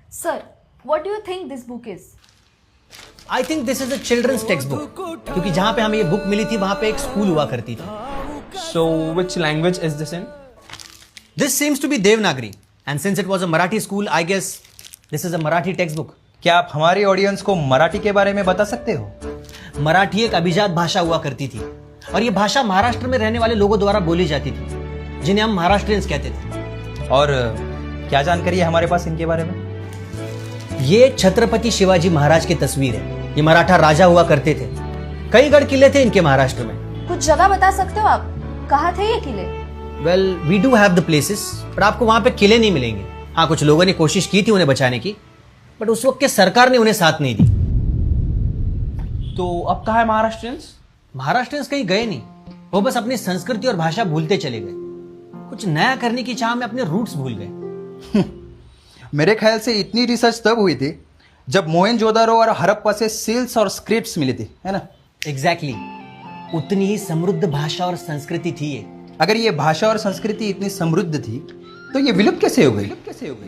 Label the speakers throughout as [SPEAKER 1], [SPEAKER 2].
[SPEAKER 1] Sir, what do you think this book is?
[SPEAKER 2] I think this is a children's textbook, क्योंकि जहां पे हमें ये book milli थी वहां पे एक स्कूल हुआ करती थी.
[SPEAKER 3] So, which language is this in?
[SPEAKER 2] This seems to be Devanagari, and since it was a Marathi school, I guess this is a Marathi textbook.
[SPEAKER 4] क्या आप हमारे ऑडियंस को मराठी के बारे में बता सकते हो?
[SPEAKER 2] मराठी एक अभिजात भाषा हुआ करती थी, और ये भाषा महाराष्ट्र में रहने वाले लोगों द्वारा बोली जाती थी, जिन्हें हम महाराष्ट्रियंस कहते थे.
[SPEAKER 4] और क्या जानकारी है हमारे पास इनके बारे में?
[SPEAKER 2] ये छत्रपति शिवाजी महाराज की तस्वीर है. ये मराठा राजा हुआ करते थे. कई गढ़ किले थे इनके महाराष्ट्र में.
[SPEAKER 1] कुछ जगह बता सकते हो आप? कहाँ थे ये किले?
[SPEAKER 2] Well, we do have the places, पर आपको वहां पे किले नहीं मिलेंगे. हाँ, कुछ लोगों ने कोशिश की थी उन्हें बचाने की, बट उस वक्त के सरकार ने उन्हें साथ नहीं दी.
[SPEAKER 3] तो अब कहाँ है महाराष्ट्रियंस?
[SPEAKER 2] महाराष्ट्रियंस कहीं गए नहीं, वो बस अपनी संस्कृति और भाषा भूलते चले गए. कुछ नया करने की चाह में अपने रूट्स भूल गए.
[SPEAKER 4] मेरे ख्याल से इतनी रिसर्च तब हुई थी जब मोहनजोदारो और हड़प्पा से सील्स और स्क्रिप्ट्स मिली थी, है ना?
[SPEAKER 2] एग्जैक्टली. उतनी ही समृद्ध भाषा और संस्कृति थी ये.
[SPEAKER 4] अगर ये भाषा और संस्कृति इतनी समृद्ध थी तो ये विलुप्त कैसे हो गई?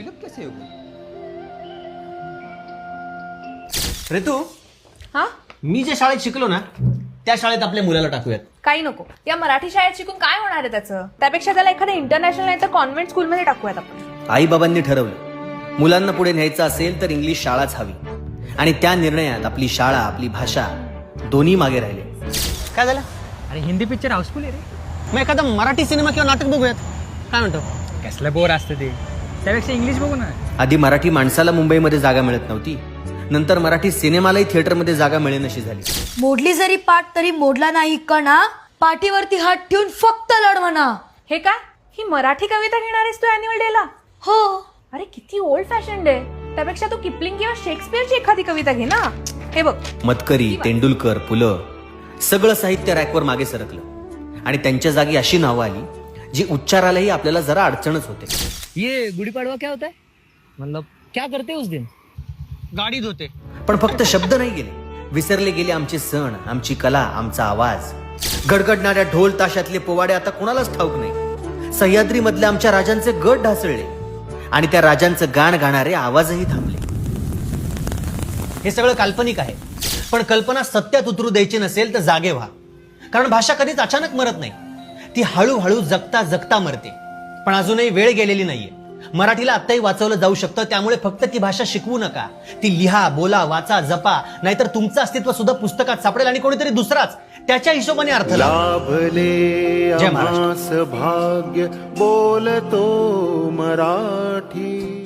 [SPEAKER 2] ऋतू,
[SPEAKER 1] हा?
[SPEAKER 2] मी जे शाळेत शिकलो ना, त्या शाळेत आपल्या मुलाला टाकूयात.
[SPEAKER 1] काही नको. या मराठी शाळेत शिकून काय होणार आहे त्याचं? त्यापेक्षा त्याला एखाद्या इंटरनॅशनल नाही तर कॉन्व्हेंट स्कूलमध्ये टाकूयात आपण.
[SPEAKER 2] आई बाबांनी ठरवलं, मुलांना पुढे न्यायचं असेल तर इंग्लिश शाळाच हवी, आणि त्या निर्णयात आपली शाळा, आपली भाषा दोन्ही मागे राहिले. काय झालं?
[SPEAKER 5] अरे हिंदी पिक्चर हाऊसफुल आहे रे.
[SPEAKER 2] मग एखादा मराठी सिनेमा किंवा नाटक बघूयात. काय म्हणतो?
[SPEAKER 5] कसलं बोर असतं ते, त्यापेक्षा इंग्लिश बघू ना.
[SPEAKER 2] आधी मराठी माणसाला मुंबईमध्ये जागा मिळत नव्हती, नंतर मराठी सिनेमालाही थिएटरमध्ये जागा मिळेनशी झाली.
[SPEAKER 6] मोडली जरी पाठ तरी मोडला नाही कणा, पाठीवरती हात ठेवून फक्त लढ म्हणा.
[SPEAKER 1] हे काय? ही मराठी कविता घेणार आहेस तू अॅन्युअल डेला?
[SPEAKER 6] हो.
[SPEAKER 1] अरे किती ओल्ड फॅशन आहे. त्यापेक्षा तू किपलिंग किंवा शेक्सपियरची एखादी कविता घे ना. हे बघ,
[SPEAKER 2] मतकरी, तेंडुलकर, पुलं सगळं साहित्य रॅकवर मागे सरकलं, आणि त्यांच्या जागी अशी नावं आली जी उच्चारालाही आपल्याला जरा अडचणच होते.
[SPEAKER 5] ये गुड़ी पड़वा क्या होता है? मतलब क्या करते उस दिन?
[SPEAKER 2] गाडी धुते. पण फक्त शब्द नाही गेले, विसरले गेले आमचे सण, आमची कला, आमचा आवाज. गडगडणाऱ्या ढोल ताशातले पोवाडे आता कोणालाच ठाऊक नाही. सह्याद्री मधल्या आमच्या राजांचे गट ढासळले, आणि त्या राजांचं गाण गाणारे आवाजही थांबले. हे सगळं काल्पनिक आहे, पण कल्पना सत्यात उतरू द्यायची नसेल तर जागे व्हा. कारण भाषा कधीच अचानक मरत नाही, ती हळूहळू जगता जगता मरते. पण अजूनही वेळ गेलेली नाहीये. मराठीला आत्ताही वाचवलं जाऊ शकतं. त्यामुळे फक्त ती भाषा शिकवू नका, ती लिहा, बोला, वाचा, जपा. नाहीतर तुमचं अस्तित्व सुद्धा पुस्तकात सापडेल, आणि कोणीतरी दुसराच त्याच्या हिशोबाने अर्थ
[SPEAKER 7] लाभले
[SPEAKER 2] जय महाराष्ट्र.
[SPEAKER 7] भाग्य बोलतो मराठी.